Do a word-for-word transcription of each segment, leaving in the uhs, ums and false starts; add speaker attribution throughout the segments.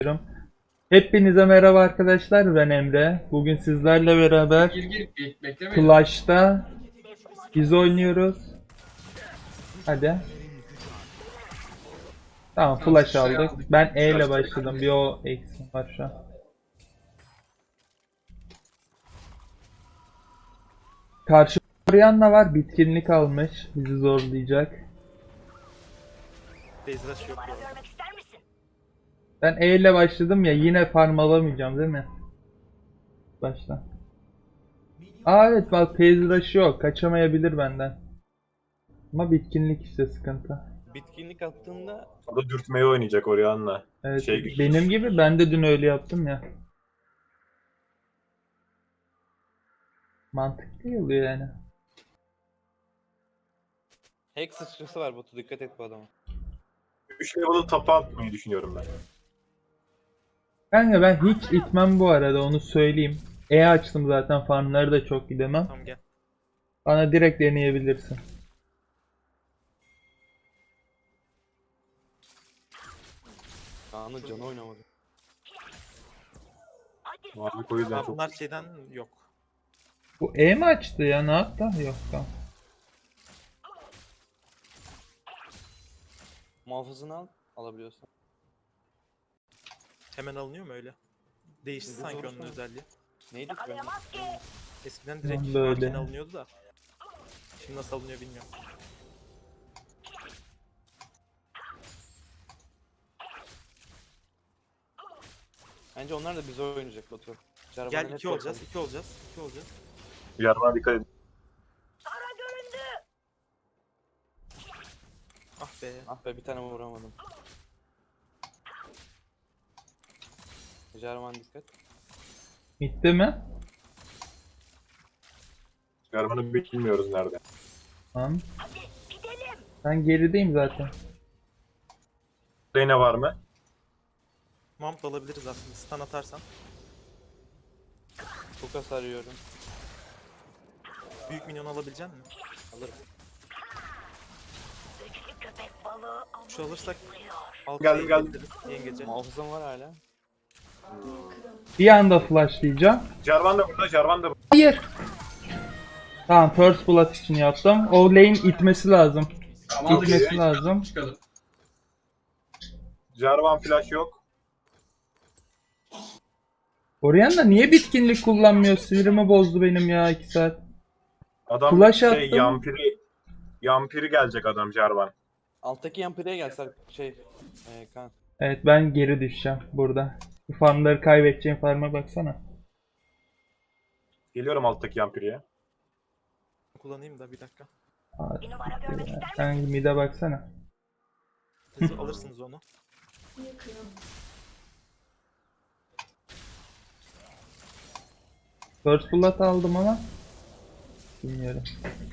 Speaker 1: Hepinize merhaba arkadaşlar, ben Emre. Bugün sizlerle beraber
Speaker 2: Gir gir be- beklemeyin.
Speaker 1: Clash'ta biz oynuyoruz. Hadi. Tamam,
Speaker 2: Tamam,
Speaker 1: flash
Speaker 2: şurayı
Speaker 1: aldık.
Speaker 2: aldık.
Speaker 1: Ben E ile
Speaker 2: Flash'ı
Speaker 1: başladım.
Speaker 2: aldık.
Speaker 1: Bir o eksim var şu an. Karşı Orianna var, bitkinlik almış. Bizi zorlayacak.
Speaker 3: Bezraş yok bu arada.
Speaker 1: Ben E ile başladım ya, yine farm alamayacağım değil mi? Başla. Aa evet, bak phase rush yok. Kaçamayabilir benden. Ama bitkinlik işte sıkıntı.
Speaker 3: Bitkinlik attığında
Speaker 4: O da dürtmeyi oynayacak Orianna.
Speaker 1: Evet,
Speaker 4: Şey güçlü.
Speaker 1: benim gibi ben de dün öyle yaptım ya. Mantıklı oluyor yani.
Speaker 3: hack sıçrası var Batu, dikkat et bu adama.
Speaker 4: üç level'ı tapa atmayı düşünüyorum ben.
Speaker 1: Kanka ben hiç itmem bu arada, onu söyleyeyim. E açtım zaten, farmları da çok gidemem.
Speaker 3: Tamam gel.
Speaker 1: Bana direkt deneyebilirsin.
Speaker 3: Kaan'ın canı oynamadı.
Speaker 4: Mavi o yüzden
Speaker 3: Aa,
Speaker 4: çok...
Speaker 3: bunlar şeyden yok.
Speaker 1: Bu E mi açtı ya, ne yaptı? Yok tamam.
Speaker 3: Muhafızını al, alabiliyorsan.
Speaker 5: Hemen alınıyor mu öyle? Değişti
Speaker 3: Bizde
Speaker 5: sanki
Speaker 3: doğrusu
Speaker 5: onun
Speaker 3: mu?
Speaker 5: özelliği.
Speaker 3: Neydi ki benim?
Speaker 5: Eskiden direkt
Speaker 1: Lan böyle.
Speaker 5: marken alınıyordu da. Şimdi nasıl alınıyor bilmiyorum.
Speaker 3: Bence onlar da bize oynayacak Batu. Jarvan'a
Speaker 5: Gel
Speaker 3: net
Speaker 5: iki olacağız,
Speaker 3: bakalım.
Speaker 5: iki olacağız, iki olacağız.
Speaker 4: Yarına dikkat edin.
Speaker 5: Ah be.
Speaker 3: Ah be, bir tane vuramadım. Jarvan dikkat.
Speaker 1: Bitti mi?
Speaker 4: Yarmanı bilmiyoruz nerede.
Speaker 1: Tamam. Ben gerideyim zaten.
Speaker 4: Reyna var mı?
Speaker 5: Mount da alabiliriz aslında stun atarsan.
Speaker 3: Çok hasar yiyorum.
Speaker 5: Büyük minyon alabilecek misin?
Speaker 3: Alırım.
Speaker 5: Şu alırsak alt
Speaker 4: Geldim,
Speaker 5: şeyi
Speaker 4: geldim.
Speaker 5: getiririz, Yengece.
Speaker 3: Muhafızım var hala.
Speaker 1: Bir anda flashlayacağım.
Speaker 4: Jarvan da burada, Jarvan da burada.
Speaker 1: Hayır. Tamam, first blood için yaptım. O lane itmesi lazım.
Speaker 2: Tamam, aldık.
Speaker 1: İtmesi lazım.
Speaker 2: Çıkalım.
Speaker 4: Jarvan flash yok.
Speaker 1: Orianna niye bitkinlik kullanmıyor? Sinirimi bozdu benim ya iki saat.
Speaker 4: Adam
Speaker 1: Flash
Speaker 4: şey
Speaker 1: attım.
Speaker 4: yampiri... Yampiri gelecek adam Jarvan.
Speaker 3: Alttaki yampireye gelsek şey... E, Kaan.
Speaker 1: Evet, ben geri düşeceğim burada. Bu farmları kaybedeceğim, farma baksana.
Speaker 4: Geliyorum alttaki yampiriye.
Speaker 5: Kullanayım da bir dakika.
Speaker 1: Aa, sen mid'e baksana.
Speaker 5: Siz alırsınız onu.
Speaker 1: First blood aldım ama bilmiyorum.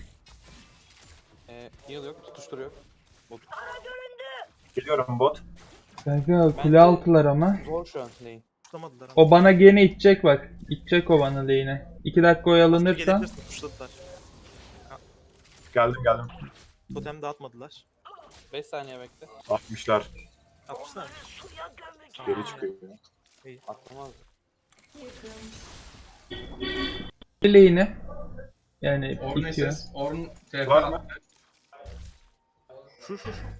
Speaker 3: E, heal yok, tutuşturuyor. Bot.
Speaker 4: Geliyorum bot.
Speaker 1: Kanka kule
Speaker 3: Bence-
Speaker 1: altılar ama.
Speaker 3: Zor şu an lane.
Speaker 5: Tutamadılar ama.
Speaker 1: O bana gene itecek bak. İtecek o bana lane'e. iki dakika
Speaker 5: Aslında
Speaker 1: oyalanırsa.
Speaker 5: gelebilirsin, tuşladılar.
Speaker 4: Geldim geldim.
Speaker 5: Totem dağıtmadılar.
Speaker 3: beş saniye bekle.
Speaker 4: altmışlar.
Speaker 5: Atmışlar mı?
Speaker 4: Geri çıkıyor.
Speaker 3: Atlamaz.
Speaker 1: Lane'i. Yani
Speaker 2: Orn
Speaker 1: itiyor.
Speaker 2: S S, Orn T P.
Speaker 4: Var mı?
Speaker 5: Şu şu şu.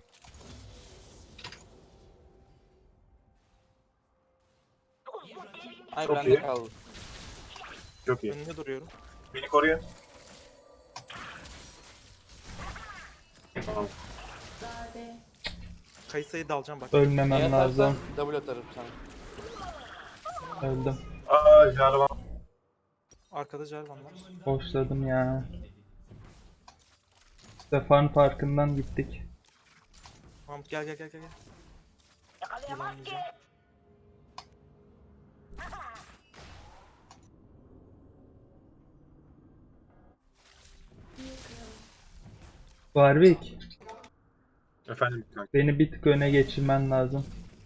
Speaker 3: Ay
Speaker 4: Çok
Speaker 3: bende
Speaker 4: iyi.
Speaker 3: kaldı.
Speaker 4: Çok iyi.
Speaker 5: Önünde duruyorum.
Speaker 4: Beni koruyun. Tamam.
Speaker 5: Kayısayı da alacağım bak.
Speaker 1: Ölmemem
Speaker 3: Eğer
Speaker 1: lazım.
Speaker 3: atarsan double atarım sana.
Speaker 1: Öldüm.
Speaker 4: Aa Jarvan.
Speaker 5: Arkada Jarvan var.
Speaker 1: Boşladım ya. Stefan farkından gittik.
Speaker 5: Mahmut gel gel gel gel. gel. Yılanlayacağım.
Speaker 1: Warwick,
Speaker 4: Efendim kanka.
Speaker 1: beni bir tık öne geçirmen lazım.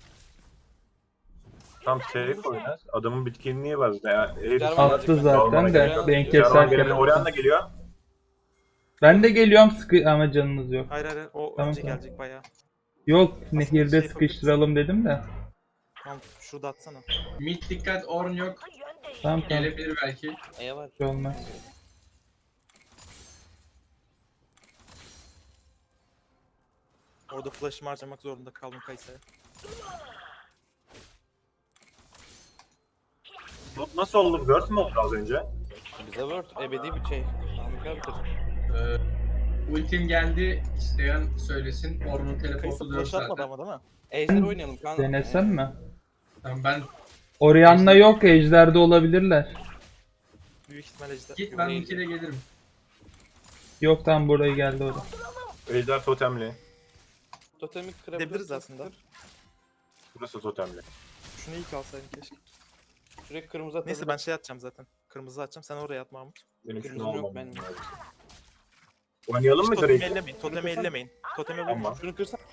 Speaker 4: Tam safe oynar. Adamın bitkinliği var. Ya, herif-
Speaker 3: Jarvan
Speaker 1: Attı
Speaker 3: gelecek
Speaker 1: zaten
Speaker 3: bence.
Speaker 1: de
Speaker 3: Jarvan
Speaker 1: ben
Speaker 3: gelecek.
Speaker 4: Jarvan
Speaker 1: keserken.
Speaker 4: geliyor. Orianna geliyor.
Speaker 1: Ben de geliyorum sıkı ama canınız yok.
Speaker 5: Hayır hayır hayır, o
Speaker 1: Tamam,
Speaker 5: önce
Speaker 1: tamam.
Speaker 5: gelecek bayağı.
Speaker 1: Yok,
Speaker 5: Aslında
Speaker 1: nehirde
Speaker 5: şey
Speaker 1: sıkıştıralım dedim de.
Speaker 5: Mahmut şurada atsana.
Speaker 2: Mid dikkat, Orn yok.
Speaker 1: Tamam tamam.
Speaker 2: Gelebilir belki.
Speaker 3: Aya var.
Speaker 1: Bir şey olmaz.
Speaker 5: Orada flash'ımı harcamak zorunda kaldım Kayse'ye.
Speaker 4: Bu nasıl oldu? Word mü oldu az önce?
Speaker 3: Bize Word ebedi bir şey. Harika bir kız.
Speaker 2: Ee, ultim geldi. İsteyen söylesin. Orn'un
Speaker 5: Kayse
Speaker 2: teleportu da yok
Speaker 5: flash atmadı
Speaker 2: zaten.
Speaker 5: ama değil mi?
Speaker 3: Ejder oynayalım kanka.
Speaker 1: Denesem mi?
Speaker 2: Tamam ben
Speaker 1: Orianna yok, Ejder'de olabilirler.
Speaker 5: Büyük ihtimal ejder.
Speaker 2: git ben ultiyle gelirim.
Speaker 1: Yok tam buraya geldi o da.
Speaker 4: Ejder totemli.
Speaker 3: Totemi kırabiliriz.
Speaker 5: Gidebiliriz aslında.
Speaker 4: Burası totemli.
Speaker 5: Şunu ilk alsaydın keşke.
Speaker 3: Şuraya kırmızı atalım.
Speaker 5: Neyse ben şey atacağım zaten. Kırmızı atacağım. Sen oraya at Mahmut.
Speaker 4: Benim
Speaker 3: Kırmızım
Speaker 4: şunu
Speaker 3: yok
Speaker 4: almam
Speaker 3: benim.
Speaker 4: lazım. Oynayalım mı
Speaker 5: Totemi
Speaker 4: direkt?
Speaker 5: ellemeyin. Totemi ellemeyin. Totemi vurun.
Speaker 4: Tamam.
Speaker 3: Şunu kırsak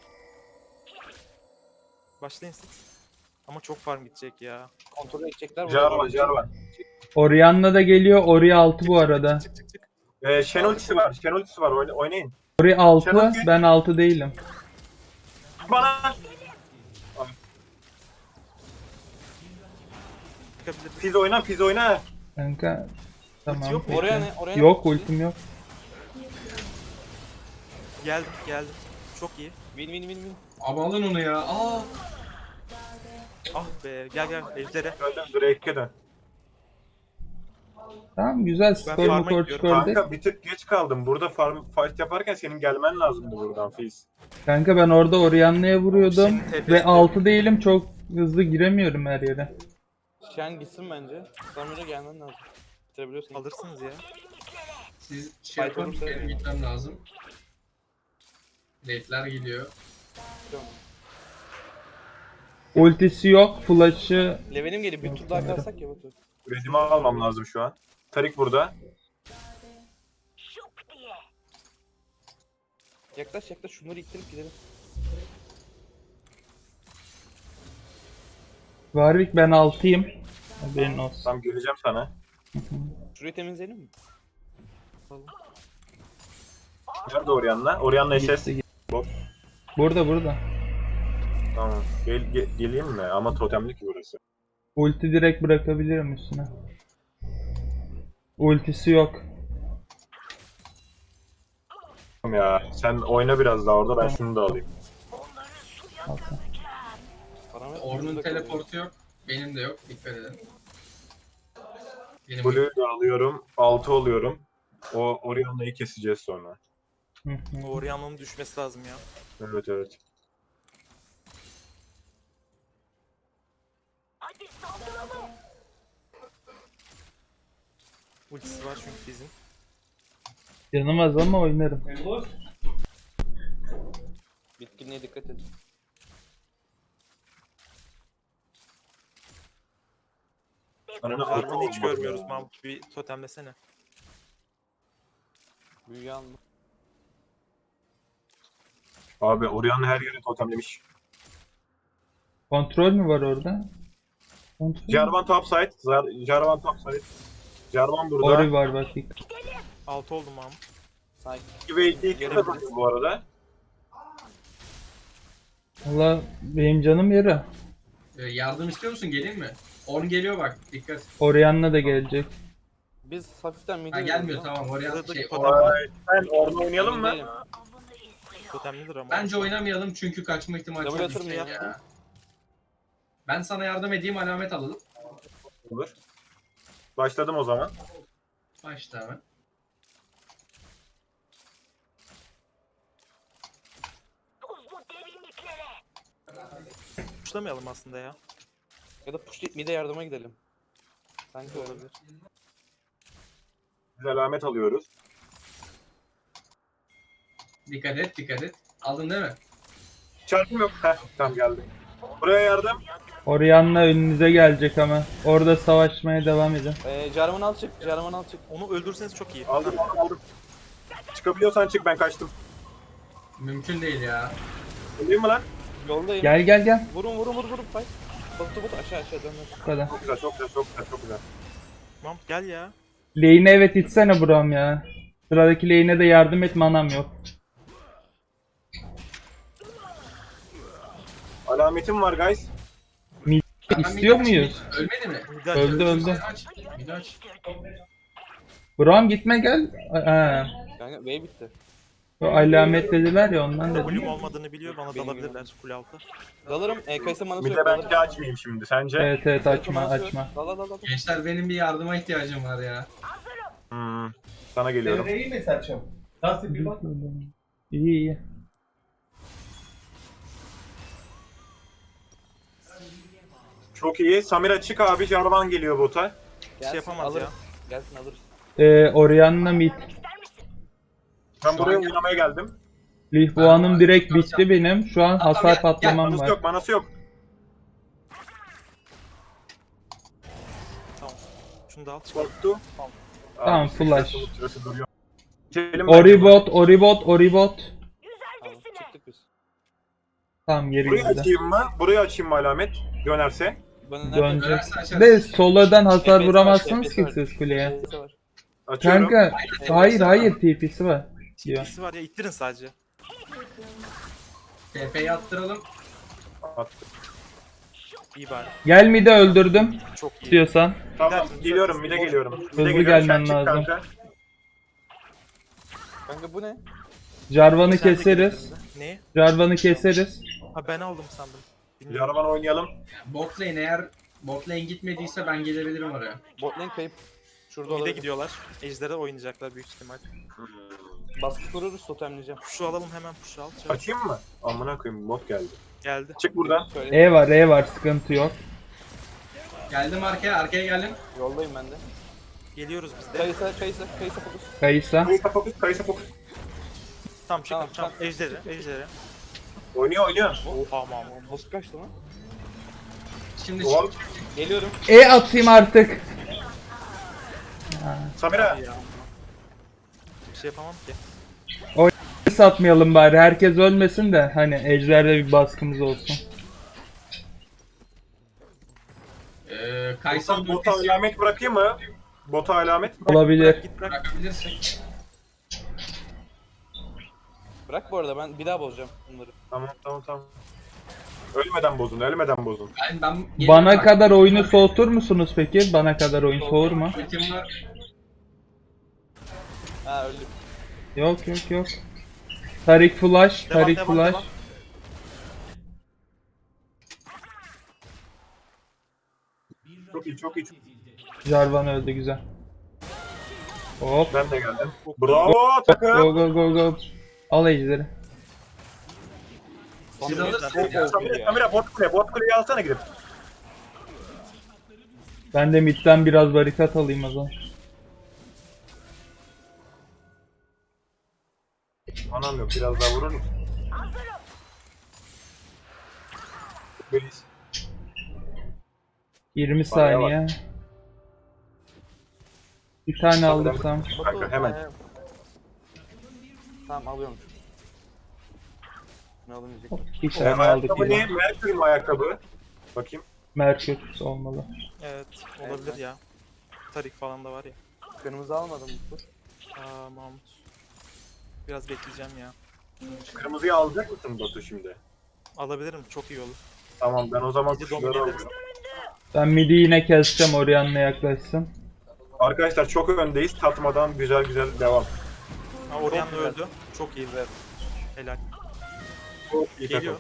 Speaker 5: Başlayın siz. Ama çok farm gidecek ya.
Speaker 3: kontrol edecekler.
Speaker 4: Jarvan, Jarvan.
Speaker 1: Orianna da geliyor, Ori altı bu arada.
Speaker 5: Çık çık çık.
Speaker 4: Ee, Shen ultisi var. Shen ultisi var. Oyna- Oynayın.
Speaker 1: Ori altı,
Speaker 4: Şenol-
Speaker 1: ben altı değilim.
Speaker 4: Bana.
Speaker 5: Çıkabiliriz.
Speaker 4: Fiz oyna, Fiz oyna.
Speaker 1: Kanka tamam.
Speaker 5: yok mu?
Speaker 1: peki.
Speaker 3: Oraya ne? Oraya ne?
Speaker 1: Yok, ultim yok.
Speaker 5: Geldim geldim. Çok iyi.
Speaker 3: Win win win win.
Speaker 2: Abi alın onu ya. Aa.
Speaker 5: Ah be gel gel ejdere.
Speaker 4: Öldüm, Drake'e dön.
Speaker 1: Tamam güzel, Storm'u
Speaker 5: farm'a
Speaker 1: Torch
Speaker 5: gidiyorum.
Speaker 1: gördük.
Speaker 4: Kanka bir tık geç kaldım. Burada farm fight yaparken senin gelmen lazımdı buradan Fiz.
Speaker 1: Kanka ben orada Orianna'ya vuruyordum
Speaker 5: Senin tepesi
Speaker 1: ve
Speaker 5: de-
Speaker 1: altı değilim, çok hızlı giremiyorum her yere.
Speaker 3: Shen gitsin bence. Samir'e gelmen lazım. Bitirebiliyorsun.
Speaker 5: Alırsınız ya.
Speaker 2: Siz şey
Speaker 3: Fight
Speaker 2: yapın.
Speaker 3: olursa-
Speaker 2: Benim gitmem lazım. Late'ler gidiyor.
Speaker 1: Ultisi yok, flash'ı
Speaker 3: Levelim geliyor. Bir tur daha kalsak ya Batu.
Speaker 4: Redimi almam lazım şu an. Tarik burada.
Speaker 3: Yaklaş yaklaş şunları ittirip gidelim.
Speaker 1: Warwick, ben altıyım. Haberin olsun.
Speaker 4: Tam geleceğim sana.
Speaker 3: Şurayı temizleyelim mi?
Speaker 4: Nerede Orianna? Orianna S S.
Speaker 1: Gitti, gitti. Burada burada.
Speaker 4: Tamam. Gel, ge- geleyim mi? Ama totemli ki burası.
Speaker 1: Ulti direkt bırakabilirim üstüne. Ultisi yok.
Speaker 4: Tamam ya. Sen oyna biraz daha orada. Ben şunu da alayım.
Speaker 1: Altı.
Speaker 3: Param yok.
Speaker 2: Orn'un
Speaker 3: Burada
Speaker 2: teleportu yok. Benim de yok. Dikkat edin. Benim
Speaker 4: Blue'yu da alıyorum. altı oluyorum. O Orianna'yı keseceğiz sonra.
Speaker 1: Hı hı.
Speaker 5: O Orianna'nın düşmesi lazım ya.
Speaker 4: Evet evet.
Speaker 5: Ultisi var çünkü bizim.
Speaker 1: Canım az ama oynarım.
Speaker 3: Bitkinliğe dikkat edin.
Speaker 4: Ananı
Speaker 5: Jarvan'ı hiç
Speaker 4: altı
Speaker 5: görmüyoruz
Speaker 4: olmadı ya.
Speaker 5: Mahmut. Bir totemlesene.
Speaker 3: Büyüyü alma.
Speaker 4: Abi Orianna her yeri totemlemiş.
Speaker 1: Kontrol mü var orada? Kontrol.
Speaker 4: Jarvan topside. Zar- Jarvan topside. Jarvan burada.
Speaker 1: Ori var bak.
Speaker 5: altı oldum Mahmut.
Speaker 3: Sakin.
Speaker 4: iki ve iki iki kazanıyor bu arada.
Speaker 1: Valla benim canım yarı.
Speaker 2: Ee, yardım istiyor musun? Geleyim mi? Orn geliyor bak. Dikkat.
Speaker 1: Orianna da gelecek.
Speaker 3: Biz hafiften midi
Speaker 2: Ha gelmiyor tamam. Oraya
Speaker 5: Burada
Speaker 2: şey,
Speaker 5: totem
Speaker 2: Orn-
Speaker 5: var.
Speaker 4: Ay, sen orada oynayalım mı?
Speaker 5: Totemlidir ama.
Speaker 2: Bence oynamayalım çünkü kaçma ihtimali
Speaker 3: Double
Speaker 2: çok
Speaker 3: atır mı
Speaker 2: yüksek
Speaker 3: ya?
Speaker 2: ya. Ben sana yardım edeyim, alamet alalım.
Speaker 4: Olur. Başladım o zaman.
Speaker 2: Başla hemen.
Speaker 5: Tuşlamayalım aslında ya.
Speaker 3: Ya da push deyip mide yardıma gidelim. Sanki olabilir.
Speaker 4: Biz alamet alıyoruz.
Speaker 2: Dikkat et, dikkat et. Aldın değil mi?
Speaker 4: Çarpım yok. Heh, tamam geldi. Buraya yardım.
Speaker 1: Orianna önünüze gelecek ama. Orada savaşmaya devam edin.
Speaker 3: Ee, Jarvan al çık. Jarvan al çık.
Speaker 5: Onu öldürseniz çok iyi.
Speaker 4: Aldım aldım aldım. Çıkabiliyorsan çık, ben kaçtım.
Speaker 2: Mümkün değil ya.
Speaker 4: Öldüreyim mi lan?
Speaker 3: Yoldayım.
Speaker 1: Gel gel gel.
Speaker 3: Vurun vurun vurun vurun. Fight. Batu batu aşağı aşağı dön.
Speaker 1: Bu kadar.
Speaker 4: Çok güzel çok güzel çok güzel çok güzel.
Speaker 5: Mahmut gel ya.
Speaker 1: Lane'e evet itsene Brom ya. Sıradaki lane'e de yardım et, manam yok.
Speaker 4: Alametim var guys.
Speaker 1: İstiyor muyuz?
Speaker 2: Ölmedi mi?
Speaker 5: Midi
Speaker 1: Öldü
Speaker 5: açıyoruz.
Speaker 1: öldü.
Speaker 2: Aç. Bir aç.
Speaker 1: Bram gitme gel. Ha.
Speaker 3: Kanka wave bitti.
Speaker 1: O alamet dediler ya ondan dedim.
Speaker 5: Kulüm olmadığını biliyor, bana dalabilirler kule altı.
Speaker 3: Dalarım. E, Kaysa manası
Speaker 4: Bir
Speaker 3: yok.
Speaker 4: de ben
Speaker 3: dalarım.
Speaker 4: açmayayım şimdi sence?
Speaker 1: Evet evet
Speaker 3: Kaysa
Speaker 1: açma
Speaker 3: manası yok.
Speaker 1: açma.
Speaker 3: Dal dal dal dal.
Speaker 2: Gençler benim bir yardıma ihtiyacım var ya.
Speaker 4: Hmm, sana geliyorum.
Speaker 6: Devreyi mi saçım? Nasıl bir bak?
Speaker 1: İyi iyi.
Speaker 4: Çok iyi. Samira çık abi. Jarvan geliyor bota.
Speaker 5: Bir şey yapamaz
Speaker 3: alırız.
Speaker 5: ya.
Speaker 3: Gelsin alırız.
Speaker 1: Ee, Orianna mid.
Speaker 4: Ben
Speaker 2: Şu
Speaker 4: buraya
Speaker 2: an-
Speaker 4: oynamaya geldim.
Speaker 1: Lihbuan'ım direkt bitti benim. Şu an hasar
Speaker 2: gel, gel.
Speaker 1: patlamam
Speaker 4: Manası
Speaker 1: var.
Speaker 4: yok, manası yok.
Speaker 5: Tamam. Şunu da al çık.
Speaker 4: Korktu.
Speaker 1: Tamam,
Speaker 4: Abi,
Speaker 1: flash.
Speaker 4: sırası- sırası duruyor. İtelim bence.
Speaker 1: Oribot, Oribot, Oribot.
Speaker 3: Tamam çıktık biz.
Speaker 1: Tamam geri
Speaker 4: Burayı
Speaker 1: gitti.
Speaker 4: açayım mı? Burayı açayım mı alamet? Dönerse.
Speaker 3: Bana nereden?
Speaker 1: Dönecek.
Speaker 2: Dönerse açarız.
Speaker 1: De solodan hasar
Speaker 3: F P S var,
Speaker 1: vuramazsınız
Speaker 3: F P S
Speaker 1: ki
Speaker 3: var.
Speaker 1: siz kuleye.
Speaker 3: F P S var.
Speaker 4: Açıyorum.
Speaker 1: Kanka hayır hayır T P'si var. Diyor.
Speaker 5: İkisi var ya, ittirin sadece.
Speaker 2: T P'yi attıralım.
Speaker 4: Attım.
Speaker 5: İyi bari.
Speaker 1: Gel mid'e öldürdüm
Speaker 5: Çok iyi.
Speaker 1: diyorsan.
Speaker 4: Tamam geliyorum mide geliyorum. Mide
Speaker 1: Hızlı
Speaker 4: geliyorum.
Speaker 1: gelmen
Speaker 4: Sen çık
Speaker 1: lazım.
Speaker 4: kanka.
Speaker 3: Kanka bu ne?
Speaker 1: Jarvan'ı
Speaker 5: Sen de
Speaker 1: keseriz.
Speaker 5: gel. Ne?
Speaker 1: Jarvan'ı keseriz.
Speaker 5: Ha ben aldım sandım. Bilmiyorum.
Speaker 4: Jarvan oynayalım.
Speaker 2: Bot lane eğer bot lane gitmediyse ben gelebilirim oraya.
Speaker 3: Bot lane kayıp. Şurada
Speaker 5: Mide
Speaker 3: olabilir.
Speaker 5: gidiyorlar. Ejder'e oynayacaklar büyük ihtimal.
Speaker 3: Baskı kururuz totemleyeceğim.
Speaker 5: Puşu alalım hemen, puşu al. Çabuk.
Speaker 4: Açayım mı? Amına koyayım bot geldi.
Speaker 5: Geldi.
Speaker 4: Çık buradan.
Speaker 3: Söyle.
Speaker 1: E var E var sıkıntı yok.
Speaker 2: Geldim arkaya, arkaya geldim.
Speaker 3: Yoldayım ben de.
Speaker 5: Geliyoruz biz de.
Speaker 3: Kaysa Kaysa Kaysa fokus.
Speaker 1: Kayısa.
Speaker 4: Kayısa fokus, kayısa fokus.
Speaker 5: Tamam çık,
Speaker 3: Tamam,
Speaker 5: tamam. Ejder'e, Ejder'e.
Speaker 4: Oynuyor oynuyor.
Speaker 5: Tamam.
Speaker 3: Boss kaçtı lan?
Speaker 2: Şimdi
Speaker 4: Doğru.
Speaker 3: Geliyorum.
Speaker 1: E atayım artık.
Speaker 4: Samira.
Speaker 5: Ya. Bir şey yapamam ki.
Speaker 1: Satmayalım bari herkes ölmesin de hani ejderde bir baskımız olsun.
Speaker 2: Ee, Kaysa
Speaker 4: Bota, bota alamet bırakayım mı? Bota alamet.
Speaker 1: Olabilir.
Speaker 5: Git bırak.
Speaker 2: bırakabilirsin.
Speaker 3: Bırak bu arada ben bir daha bozacağım bunları.
Speaker 4: Tamam tamam tamam. Ölmeden bozun, ölmeden bozun.
Speaker 2: Ben, ben gelirim
Speaker 1: Bana
Speaker 2: bak.
Speaker 1: kadar oyunu soğutur musunuz peki? Bana kadar oyun soğur mu?
Speaker 2: Ultim var.
Speaker 3: Ha öldüm.
Speaker 1: Yok yok yok. Tarik flash,
Speaker 5: Devam,
Speaker 1: Tarik
Speaker 5: devam,
Speaker 1: flash.
Speaker 5: devam.
Speaker 4: Çok iyi, çok iyi. Çok...
Speaker 1: Jarvan öldü güzel. Hop.
Speaker 4: Ben de geldim. Bravo takım.
Speaker 1: Go go go go. Al ejderi.
Speaker 2: Siz alırsınız ya.
Speaker 4: Samira, Samira bot kule, bot kuleyi alsana gidip.
Speaker 1: Ben de midden biraz barikat alayım o zaman.
Speaker 4: Anam yok, biraz daha vurur musun? Beliz.
Speaker 1: yirmi
Speaker 4: Bayağı
Speaker 1: saniye. Bir tane aldırsam.
Speaker 4: Kanka, hemen.
Speaker 3: Ee, Tamam alıyorum. Ne alamayacak?
Speaker 1: Bir
Speaker 4: Ee,
Speaker 1: tane aldık
Speaker 4: ayakkabı ne?
Speaker 1: yine.
Speaker 4: Mercury mi ayakkabı? Bakayım.
Speaker 1: Merkür olmalı.
Speaker 5: Evet, olabilir ya. Tarik falan da var ya.
Speaker 3: Kırmızı almadım bu.
Speaker 5: Aa Mahmut. Biraz bekleyeceğim ya.
Speaker 4: Kırmızıyı alacak mısın Batu şimdi?
Speaker 5: Alabilirim, çok iyi olur.
Speaker 4: Tamam ben o zaman
Speaker 5: Bizi
Speaker 4: kuşları
Speaker 5: domine ederiz.
Speaker 4: alıyorum.
Speaker 1: Ben midi yine keseceğim Orianna yaklaşsın.
Speaker 4: Arkadaşlar çok öndeyiz. Tatmadan güzel güzel devam.
Speaker 5: Ha Orianna öldü. Çok iyi be. Helal.
Speaker 4: Çok iyi
Speaker 5: Geliyor.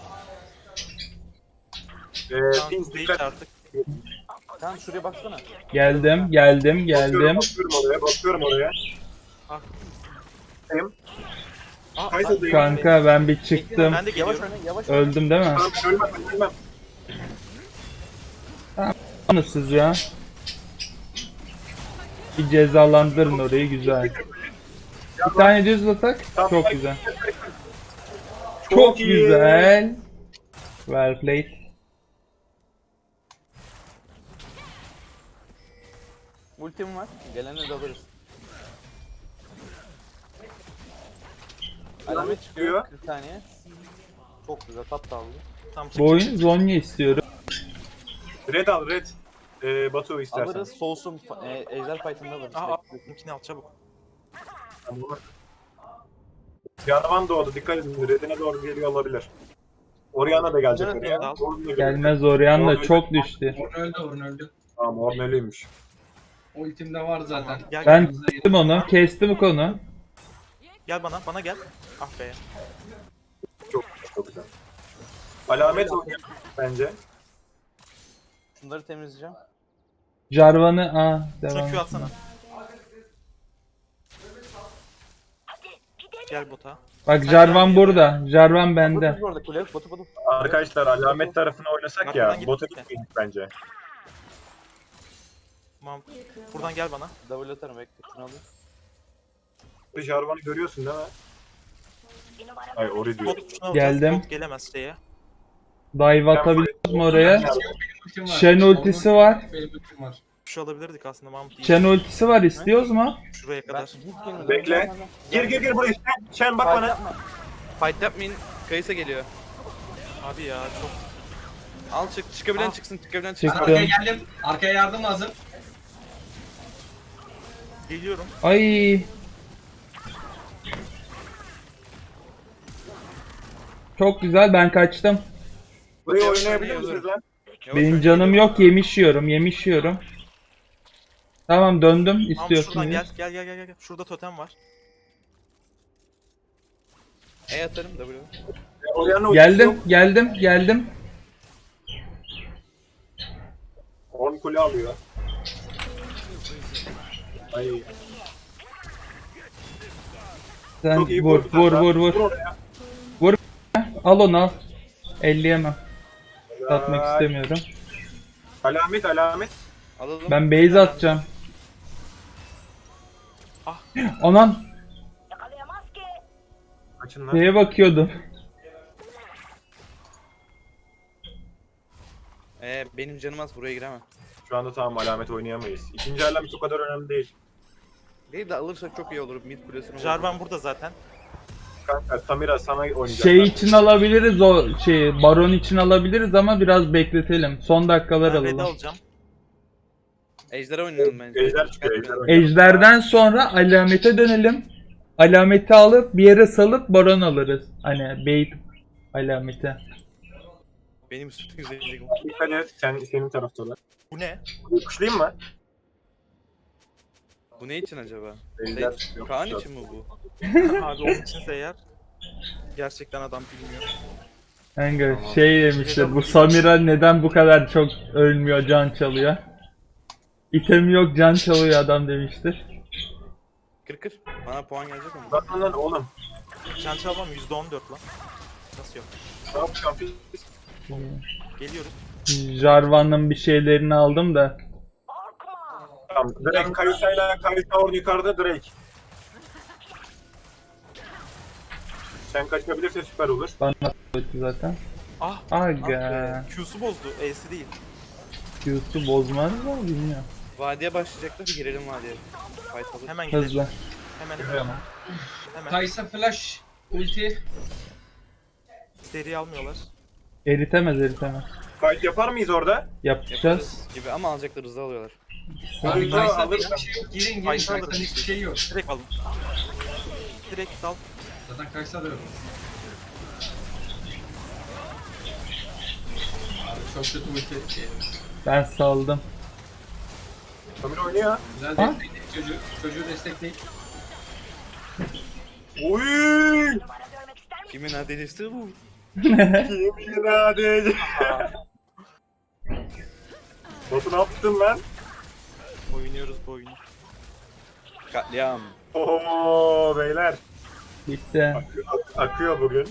Speaker 4: takım. Ee,
Speaker 5: Tamam,
Speaker 4: Pins
Speaker 5: değil
Speaker 4: dikkat.
Speaker 5: artık.
Speaker 3: Tamam şuraya baksana.
Speaker 1: Geldim, geldim,
Speaker 4: Bakıyorum,
Speaker 1: geldim.
Speaker 4: bakıyorum oraya, bakıyorum oraya.
Speaker 5: Ah.
Speaker 4: Hem
Speaker 5: Aa,
Speaker 4: Kaysadayım.
Speaker 1: Kanka ben bir çıktım.
Speaker 5: ben de
Speaker 3: Yavaş
Speaker 5: geliyorum.
Speaker 3: oyna yavaş oyna.
Speaker 1: Öldüm değil mi?
Speaker 4: Tamam ben ölmem, ben ölmem.
Speaker 1: Anısız ya. Bir cezalandırın orayı güzel. Bir tane düz atak. Çok güzel. Çok
Speaker 4: iyi.
Speaker 1: güzel. Well played.
Speaker 3: Ultim var. Gelene de alırız. Alamet çıkıyor. kırk saniye. Çok güzel tat da aldı.
Speaker 5: Tam çık.
Speaker 1: Bu oyun Zonya istiyorum.
Speaker 4: Red al, red. Ee, Batu istersen.
Speaker 3: Alırız soğusun. fa- E, ejder fight'ında alırız.
Speaker 5: Aa,
Speaker 3: Bekle.
Speaker 5: bizimkini al çabuk.
Speaker 4: Tamam. Yarvan doğdu, dikkat edin. Red'ine doğru geliyor olabilir. Orianna da gelecek
Speaker 3: Evet,
Speaker 4: oraya.
Speaker 3: evet, al.
Speaker 4: Ornn da gelecek.
Speaker 1: Gelmez Orianna da çok düştü.
Speaker 2: Orn öldü, Orn öldü.
Speaker 4: Tamam Ornn ölüymüş.
Speaker 2: Ultim de var zaten.
Speaker 5: Tamam, gel,
Speaker 1: Ben
Speaker 2: Yanınıza
Speaker 1: kestim onu. Kestim konu.
Speaker 5: Gel bana, bana gel. Ah be.
Speaker 4: Çok çok güzel. Alamet oynuyor bence.
Speaker 3: Şunları temizleyeceğim.
Speaker 1: Jarvan'ı aa
Speaker 5: Şuna
Speaker 1: devam.
Speaker 5: Q
Speaker 1: et.
Speaker 5: atsana. Gel bota.
Speaker 1: Bak Jarvan burada. Jarvan bende.
Speaker 3: Botu orada kule. Botu botu.
Speaker 4: Arkadaşlar alamet tarafına oynasak
Speaker 5: Arkadan
Speaker 4: ya.
Speaker 5: git.
Speaker 4: Bota gitmeyin bence.
Speaker 5: Tamam. Buradan gel bana.
Speaker 3: W atarım bekle. Şunu alayım.
Speaker 4: Jarvan'ı görüyorsun değil mi? Ay Ori diyor.
Speaker 5: Bot şuna alacağız.
Speaker 1: Geldim.
Speaker 5: Bot gelemez şeye.
Speaker 1: Dive atabiliriz mi oraya?
Speaker 2: Benim ultim var.
Speaker 1: Shen ultisi var.
Speaker 2: Benim ultim var.
Speaker 5: Şu alabilirdik aslında Mahmut iyi.
Speaker 1: Shen ultisi var. İstiyoruz mu?
Speaker 5: Şuraya
Speaker 3: Ben
Speaker 5: kadar.
Speaker 3: git gelin.
Speaker 4: Bekle. Gir gir gir buraya. Şen, Şen bak
Speaker 3: Fight
Speaker 4: bana.
Speaker 3: yapma. Fight yapmayın. Kayısa geliyor.
Speaker 5: Abi ya çok.
Speaker 3: Al çık. Çıkabilen
Speaker 5: Ah.
Speaker 3: çıksın. Çıkabilen
Speaker 1: Çık.
Speaker 3: çıksın.
Speaker 2: Ben arkaya geldim. Arkaya yardım lazım.
Speaker 5: Geliyorum.
Speaker 1: Ay. Çok güzel, ben kaçtım.
Speaker 4: Burayı oynayabilir misiniz lan?
Speaker 3: Yok,
Speaker 1: Benim
Speaker 3: ben
Speaker 1: canım
Speaker 3: geliyorum.
Speaker 1: yok, yemiş yiyorum, yemiş yiyorum. Tamam döndüm,
Speaker 5: Mahmut
Speaker 1: istiyorsun.
Speaker 5: şuradan
Speaker 1: diye.
Speaker 5: gel. Gel gel gel gel. Şurada totem var.
Speaker 3: E atarım W.
Speaker 4: Orianna ultisi
Speaker 1: Geldim,
Speaker 4: yok.
Speaker 1: geldim, geldim.
Speaker 4: Ornn kule alıyor. Ay.
Speaker 1: Sen
Speaker 4: Çok iyi
Speaker 1: vur,
Speaker 4: vurdu
Speaker 1: vur,
Speaker 4: kanka.
Speaker 1: vur, vur.
Speaker 4: oraya.
Speaker 1: Al onu al. elleyemem. Atmak
Speaker 4: Ay.
Speaker 1: istemiyorum.
Speaker 4: Alamet alamet.
Speaker 3: Alalım.
Speaker 1: Ben base atacağım.
Speaker 5: Ah.
Speaker 1: Anan,
Speaker 4: Kaçın lan.
Speaker 1: neye bakıyordum?
Speaker 3: Ee, benim canım az buraya giremem.
Speaker 4: Şu anda tamam alamet oynayamayız. İkinci alamet o kadar önemli değil.
Speaker 3: Değil de alırsak çok iyi olur. Mid kulesini vururuz.
Speaker 5: Jarvan burada zaten.
Speaker 4: Kanka Samira sana oynayacak.
Speaker 1: Şey için alabiliriz o şeyi, baron için alabiliriz ama biraz bekletelim. Son dakikalar
Speaker 5: Ben Red'i
Speaker 1: alalım.
Speaker 5: alacağım.
Speaker 3: Ejderha oynayalım bence.
Speaker 4: Ejder çıkıyor, ejder oynuyor.
Speaker 1: Ejderden sonra alamete dönelim. Alameti alıp bir yere salıp baron alırız. Hani bait alameti.
Speaker 5: Benim üstüm güzellik.
Speaker 4: Dikkat et sen, senin taraftalar.
Speaker 5: Bu ne?
Speaker 4: Kuşlayayım mı?
Speaker 3: Bu ne için acaba?
Speaker 4: Ejder
Speaker 3: Şey,
Speaker 4: çıkıyor.
Speaker 3: Kaan için mi bu?
Speaker 5: Abi onun içinse eğer gerçekten adam bilmiyor.
Speaker 1: Kanka şey demişler, bu Samira neden bu kadar çok ölmüyor, can çalıyor. İtemi yok, can çalıyor adam demiştir.
Speaker 3: Kır kır. Bana puan gelecek mi?
Speaker 4: Bak lan oğlum.
Speaker 5: Can çalmam yüzde on dört lan. Nasıl yok?
Speaker 4: Ne yapacağım biz?
Speaker 5: Geliyoruz.
Speaker 1: Jarvan'ın bir şeylerini aldım da.
Speaker 4: Tamam. Drake Kayısa'yla Kayısa orada yukarıda Drake. Sen kaçabilirse süper olur.
Speaker 1: Bana öttü zaten.
Speaker 5: Ah! Ah
Speaker 1: Aga.
Speaker 5: be. Q'su bozdu. E'si değil.
Speaker 1: Q'su bozmaz mı bilmiyorum.
Speaker 3: Vadiye başlayacaklar. Bir girelim vadiye. Fight alır.
Speaker 5: Hemen gidelim.
Speaker 1: Hızlı.
Speaker 5: Hemen hemen.
Speaker 2: Kaysa flash ulti.
Speaker 5: Seri almıyorlar.
Speaker 1: Eritemez, eritemez.
Speaker 4: Fight yapar mıyız orada?
Speaker 1: Yapacağız.
Speaker 3: Yaparız gibi ama alacaklar hızlı alıyorlar.
Speaker 2: Abi
Speaker 4: Hızlı
Speaker 2: Kaysa
Speaker 4: alır.
Speaker 2: hiçbir şey yok. Girin girin.
Speaker 5: Kaysa
Speaker 2: Kaysa'nın
Speaker 5: alır.
Speaker 2: hiçbir şey yok.
Speaker 5: Direkt alın. Direkt dal.
Speaker 2: Zaten Kaysa da yok. Abi çok kötü ulti.
Speaker 1: Ben saldım.
Speaker 4: Samira oynuyor.
Speaker 2: Güzel
Speaker 1: Ha?
Speaker 2: destekleyin çocuğu. Çocuğu destekleyin.
Speaker 4: Oy!
Speaker 3: Kimin adelesi bu?
Speaker 4: Yemin hadi. Batu ne yaptın lan?
Speaker 5: Oynuyoruz bu oyunu.
Speaker 3: Katliam.
Speaker 4: Oo beyler.
Speaker 1: Bitti.
Speaker 4: Ak- akıyor bugün.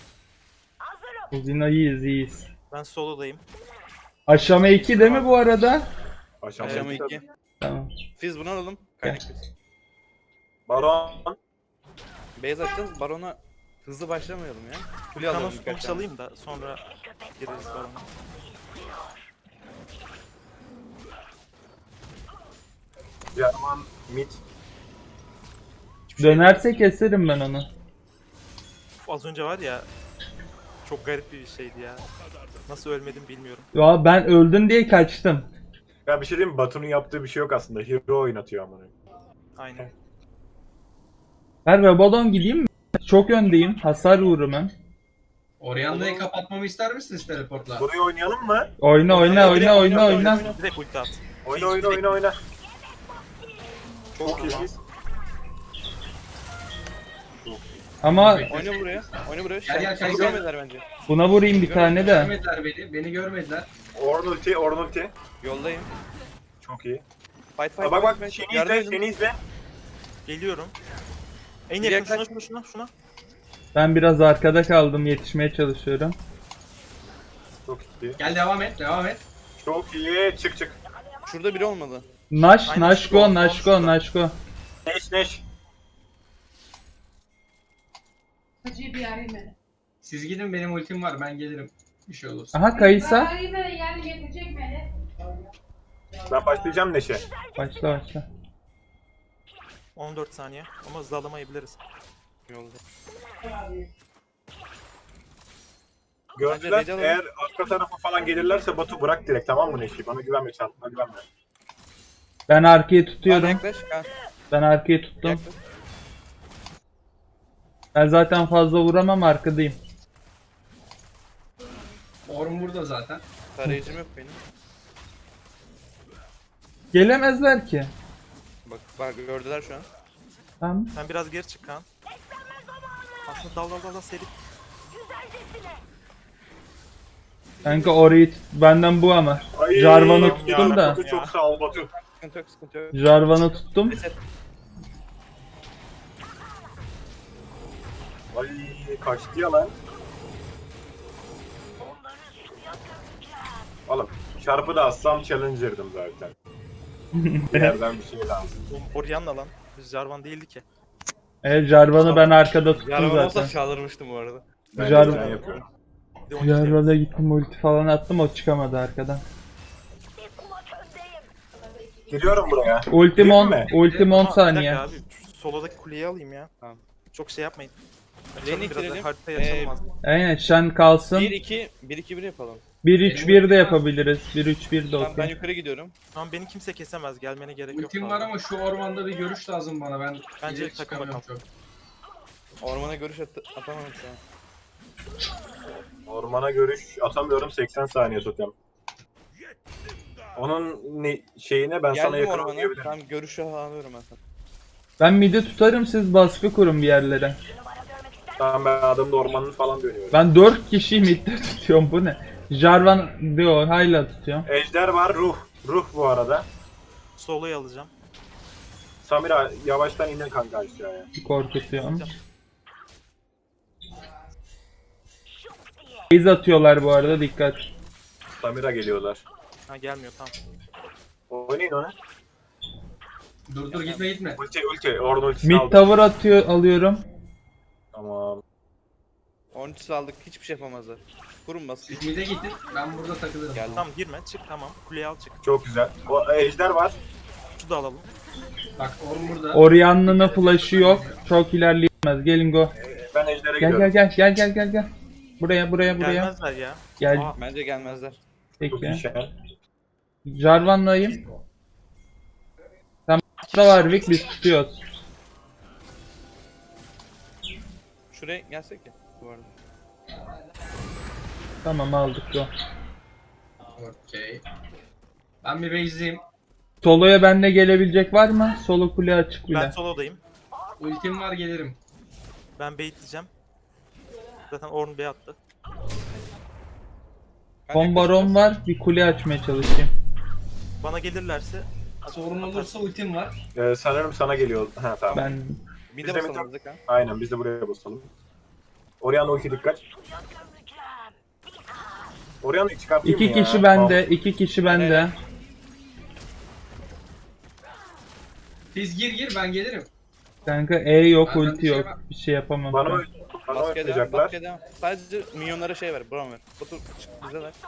Speaker 1: Bugün iyiyiz, iyiyiz.
Speaker 5: Ben solodayım.
Speaker 1: Aşama iki değil mi bu arada?
Speaker 4: Aşağı
Speaker 3: Aşama iki.
Speaker 1: Tamam.
Speaker 3: Fiz bunu alalım. Kaynak fiz.
Speaker 4: Baron.
Speaker 3: Beyaz atacağız. Barona hızlı başlamayalım ya. Kule alalım
Speaker 5: Thanos
Speaker 3: birkaç
Speaker 5: bunu
Speaker 3: tane.
Speaker 5: çalayım da sonra gireriz barona.
Speaker 4: Jarvan mid.
Speaker 5: Hiçbir şey
Speaker 1: Dönerse keserim ben onu.
Speaker 5: yok. Az önce var ya çok garip bir şeydi ya. Nasıl ölmedim bilmiyorum.
Speaker 1: Ya ben öldün diye kaçtım.
Speaker 4: Ya bir şey diyeyim mi? Batu'nun yaptığı bir şey yok aslında. Hero oynatıyor amına.
Speaker 5: Aynen.
Speaker 1: Ben Rabadon gideyim mi? Çok öndeyim. Hasar vururum hem.
Speaker 2: Orianna'yı
Speaker 3: Olur.
Speaker 2: kapatmamı ister misiniz teleportla?
Speaker 4: Buraya oynayalım mı?
Speaker 1: Oyna oyna oyna oyna oyna.
Speaker 5: Direkt ulti at.
Speaker 4: Oyna oyna oyna oyna. Çok iyiyiz.
Speaker 1: Ama
Speaker 3: Oyna buraya. Oyna buraya.
Speaker 2: Gel, gel,
Speaker 3: Seni
Speaker 2: gel, gel.
Speaker 3: görmediler bence.
Speaker 1: buna vurayım bir tane de.
Speaker 2: Görmediler beni. Beni görmediler.
Speaker 4: Orn ulti, Orn ulti.
Speaker 3: Yoldayım.
Speaker 4: Çok iyi.
Speaker 3: Fight fight.
Speaker 4: Aa, bak bak
Speaker 3: fight,
Speaker 4: seni
Speaker 3: fight. Yardım
Speaker 4: izle,
Speaker 3: edin.
Speaker 4: seni izle.
Speaker 5: Geliyorum. En
Speaker 3: Bir
Speaker 5: yakın şuna
Speaker 3: yaklaş.
Speaker 5: şuna şuna şuna.
Speaker 1: Ben biraz arkada kaldım, yetişmeye çalışıyorum.
Speaker 4: Çok iyi.
Speaker 2: Gel devam et. Devam et.
Speaker 4: Çok iyi. Çık çık.
Speaker 3: Şurada biri olmadı.
Speaker 1: Naş,
Speaker 5: Aynen,
Speaker 1: Naş
Speaker 5: şu
Speaker 1: go,
Speaker 5: an-
Speaker 1: Naş go, Naş go.
Speaker 4: Neş neş.
Speaker 7: Hacı'yı bir arayayım beni.
Speaker 2: Siz gidin, benim ultim var. Ben gelirim. Bir şey olursa.
Speaker 1: Aha Kayısa.
Speaker 7: Arayayım beni, yani getirecek beni.
Speaker 4: Ben başlayacağım Neşe.
Speaker 1: Başla başla.
Speaker 5: on dört saniye ama hızlı alamayabiliriz.
Speaker 3: Yolda.
Speaker 4: Gördüler.
Speaker 3: Bence Red'e
Speaker 4: Eğer arka tarafa falan gelirlerse Batu bırak direkt, tamam mı Neşe? Bana güvenme, çarpma güvenme.
Speaker 1: Ben arkayı
Speaker 3: Kaan
Speaker 1: tutuyorum.
Speaker 3: yaklaş. Kaan
Speaker 1: Ben arkayı tuttum.
Speaker 3: yaklaş.
Speaker 1: Ben zaten fazla vuramam, arkadayım.
Speaker 2: Orm burada zaten.
Speaker 3: Tarayıcım yok benim.
Speaker 1: Gelemezler ki.
Speaker 3: Bak bak gördüler şu an.
Speaker 1: Tamam.
Speaker 5: Sen biraz geri çık Kaan. Aslında dal dal dal dal seri.
Speaker 1: Kanka orayı tut- benden bu ama.
Speaker 4: Ay,
Speaker 1: Jarvan'ı tuttum
Speaker 5: ya.
Speaker 1: da.
Speaker 4: Batu çok sağ ol Batu.
Speaker 3: Sıkıntı yok sıkıntı yok.
Speaker 1: Jarvan'ı tuttum.
Speaker 3: Reset.
Speaker 4: Ay kaçtı ya lan. Oğlum çarpı da assam challenger'dım zaten. Bir yerden bir şey lazım.
Speaker 5: Oğlum Orianna lan. Biz Jarvan değildi ki.
Speaker 1: Evet, Jarvan'ı ben arkada tuttum
Speaker 3: Yarım olsa
Speaker 1: zaten.
Speaker 3: çağırmıştım bu arada.
Speaker 4: Ben de
Speaker 1: Jarvan-
Speaker 4: plan yapıyorum.
Speaker 5: Bir de on iki
Speaker 1: Jarvan'a gittim, ulti falan attım, o çıkamadı arkadan.
Speaker 4: Giriyorum buraya.
Speaker 1: Ultim on,
Speaker 4: Girme.
Speaker 1: ultim on
Speaker 5: Ama bir dakika
Speaker 1: saniye.
Speaker 5: Abi, şu solodaki kuleyi alayım ya.
Speaker 3: Tamam.
Speaker 5: Çok şey yapmayın.
Speaker 3: Lane'i
Speaker 5: Açalım biraz da
Speaker 3: ittirelim.
Speaker 5: haritayı
Speaker 3: Ee,
Speaker 5: açalım az.
Speaker 1: Aynen, Shen kalsın.
Speaker 3: bir iki bir iki bir yapalım.
Speaker 1: bir üç bir de yapabiliriz. bir üç bir de
Speaker 3: Tamam ben
Speaker 1: okey.
Speaker 3: yukarı gidiyorum.
Speaker 5: Tamam beni kimse kesemez. Gelmene gerek yok.
Speaker 2: Ultim
Speaker 5: fazla.
Speaker 2: var ama şu ormanda bir görüş lazım bana. Ben
Speaker 5: Bence
Speaker 2: ileri
Speaker 5: takım
Speaker 2: çıkamıyorum
Speaker 5: bakalım.
Speaker 2: çok.
Speaker 3: Ormana görüş at atamadım şu an.
Speaker 4: Ormana görüş atamıyorum, seksen saniye tutuyorum. Onun ne, şeyine ben sana
Speaker 3: Geldim
Speaker 4: yakın
Speaker 3: ormana.
Speaker 4: oynayabilirim.
Speaker 3: Tamam görüşü alıyorum ben sana.
Speaker 1: Ben midi tutarım, siz baskı kurun bir yerlere.
Speaker 4: Tamam, ben adamın ormanını falan dönüyorum.
Speaker 1: Ben dört kişiyi midde tutuyorum, bu ne? Jarvan diyor, hala tutuyorum.
Speaker 4: Ejder var, ruh. Ruh bu arada.
Speaker 5: Solo'yu alacağım.
Speaker 4: Samira yavaştan inin kanka aşağıya.
Speaker 1: Korkutuyorum. Base atıyorlar bu arada, dikkat.
Speaker 4: Samira geliyorlar.
Speaker 5: Ha gelmiyor tamam.
Speaker 4: Oynayın onu.
Speaker 2: Dur dur, gitme gitme.
Speaker 4: Ulti ulti. Orn ultisini
Speaker 1: Mid
Speaker 4: aldım.
Speaker 1: tower atıyor, alıyorum.
Speaker 4: Tamam.
Speaker 3: on üç aldık hiçbir şey yapamazlar. Kurun baskı.
Speaker 2: Siz mid'e gidin. Ben burada takılırım.
Speaker 3: Geldim.
Speaker 5: Tamam girme çık tamam. Kuleyi al çık.
Speaker 4: Çok güzel. O ejder var.
Speaker 5: Şu da alalım.
Speaker 2: Bak Orm burada.
Speaker 1: Orianna'nın flash'ı yok. Çok ilerleyemez. Gelin go.
Speaker 4: Ee, Ben ejdere
Speaker 1: Gel
Speaker 4: gidiyorum.
Speaker 1: gel gel gel gel gel gel. Buraya buraya buraya.
Speaker 5: Gelmezler ya.
Speaker 1: Gel.
Speaker 5: Aa,
Speaker 3: Bence gelmezler.
Speaker 4: Çok iyi
Speaker 1: Peki.
Speaker 4: şey.
Speaker 1: Jarvan'layım. Tamam. Da var Vic, biz tutuyoruz.
Speaker 3: Şuraya gelsek ya bu arada.
Speaker 1: Tamam, aldık go.
Speaker 2: Okey. Ben bir base'liyim.
Speaker 1: Solo'ya benle gelebilecek var mı? Solo kule açık
Speaker 5: ben
Speaker 1: bile.
Speaker 5: solo'dayım.
Speaker 2: Ultim var, gelirim.
Speaker 5: Ben baitleyeceğim. Zaten Ornn Bey attı.
Speaker 3: Ben
Speaker 1: Son baron var. Bir kule açmaya çalışayım.
Speaker 5: Bana gelirlerse
Speaker 2: Sorun olursa ultim var.
Speaker 4: Ee, sanırım sana geliyor. Ha tamam.
Speaker 1: Ben
Speaker 3: Bir
Speaker 4: Biz
Speaker 3: de
Speaker 4: de bir
Speaker 3: basalım ha.
Speaker 4: Aynen, biz de buraya basalım. Orianna ulti dikkat. Orianna'yı çıkartayım
Speaker 1: iki
Speaker 4: mı ya?
Speaker 1: kişi bende, iki kişi bende.
Speaker 2: Siz gir gir, ben gelirim.
Speaker 1: Kanka E yok,
Speaker 2: Ben- ben
Speaker 1: ulti
Speaker 2: bir şey
Speaker 1: yok.
Speaker 2: yap-
Speaker 1: Bir şey yapamam.
Speaker 4: Bana,
Speaker 1: ben.
Speaker 4: bana
Speaker 3: Baskıya devam,
Speaker 4: oynayacaklar.
Speaker 3: baskıya devam. Sadece minyonlara şey ver, Brown ver. Batu çık bize ver.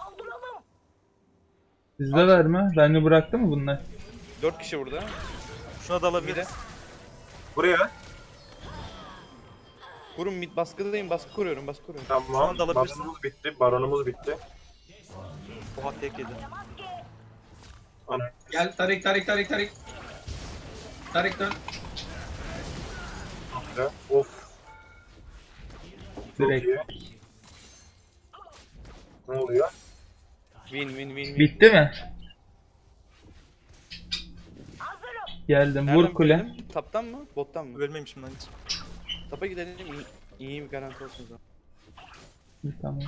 Speaker 1: Sizde var mı? Beni bıraktı mı bunlar?
Speaker 3: dört kişi burada.
Speaker 5: şuna da alabiliriz.
Speaker 4: Buraya.
Speaker 3: Kurun mid baskıdayım, baskı kuruyorum, baskı kuruyorum.
Speaker 5: Şu
Speaker 4: Tamam.
Speaker 5: anda alabilirsin.
Speaker 4: Baronumuz bitti. Baronumuz bitti.
Speaker 5: Oha tek yedi.
Speaker 4: Ana.
Speaker 2: Gel Tarik Tarik Tarik Tarik. Tarik dön.
Speaker 4: Of. Çok
Speaker 1: Direkt.
Speaker 4: iyi. Ne oluyor?
Speaker 3: Win win win win.
Speaker 1: Bitti mi? Geldim.
Speaker 3: Nereden
Speaker 1: Vur kule.
Speaker 3: bitirelim? Taptan mı? Bottan mı?
Speaker 5: Ölmemişim lan hiç.
Speaker 3: Tapa gidelim. İyi, iyi bir garanti olsun o zaman.
Speaker 1: Tamam.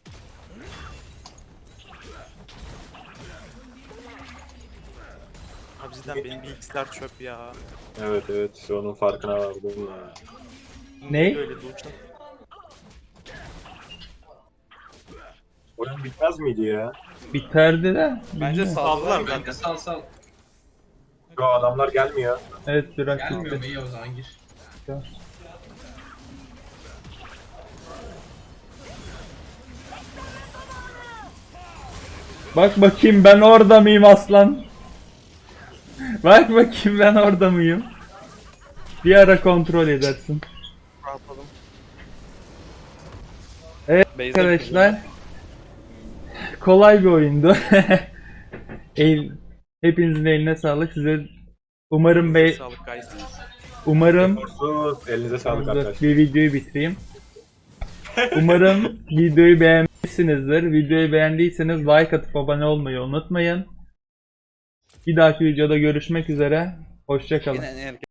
Speaker 5: Abi cidden benim bilgisayar çöp ya.
Speaker 4: Evet evet onun farkına vardım ya.
Speaker 1: Ney?
Speaker 5: Öyle dursun.
Speaker 4: Oyun bitmez miydi ya?
Speaker 1: Biterdi de.
Speaker 3: Bence
Speaker 5: Saldılar
Speaker 3: saldılar.
Speaker 5: zaten.
Speaker 2: Kanka sal sal.
Speaker 4: Yo adamlar gelmiyor.
Speaker 1: Evet biraz
Speaker 2: Gelmiyor mu?
Speaker 1: bitti.
Speaker 2: İyi o zaman gir.
Speaker 1: Bak bakayım ben orada mıyım aslan? Bak bakayım ben orada mıyım? Bir ara kontrol edersin.
Speaker 5: Rahatladım.
Speaker 3: Beyza
Speaker 1: Arkadaşlar kolay bir oyundu. El, hepinizin eline sağlık. Size umarım be
Speaker 5: Sağlık guys.
Speaker 1: umarım
Speaker 4: Sorsuz. Elinize sağlık
Speaker 1: Dur,
Speaker 4: arkadaşlar.
Speaker 1: bir videoyu bitireyim. Umarım videoyu beğenmişsinizdir. Videoyu beğendiyseniz like atıp abone olmayı unutmayın. Bir dahaki videoda görüşmek üzere. Hoşça kalın.
Speaker 3: Yine en erken